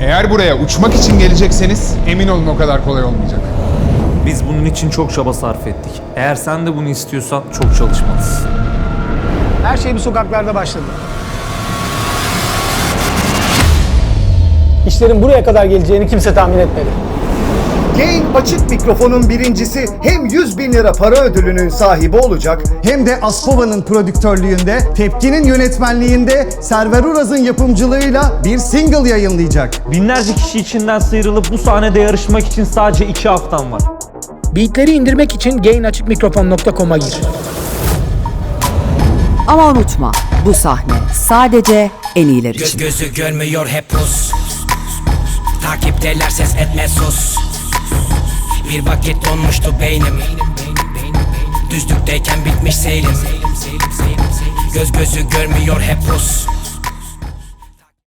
Eğer buraya uçmak için gelecekseniz emin olun o kadar kolay olmayacak. Biz bunun için çok çaba sarf ettik. Eğer sen de bunu istiyorsan çok çalışmalısın. Her şey bu sokaklarda başladı. İşlerin buraya kadar geleceğini kimse tahmin etmedi. Gain açık mikrofonun birincisi hem 100.000 lira para ödülünün sahibi olacak, Hem de Aspova'nın prodüktörlüğünde, Tepki'nin yönetmenliğinde, Server Uraz'ın yapımcılığıyla bir single yayınlayacak. Binlerce kişi içinden sıyrılıp bu sahnede yarışmak için sadece 2 haftan var. Beatleri indirmek için gainaçıkmikrofon.com'a gir. Ama unutma, bu sahne sadece en iyiler için. Gözü görmüyor hep pus. Takipteler ses etme sus. Bir vakit donmuştu beynim. Düzlükteyken bitmiş seyrim. Gözü görmüyor hep pus.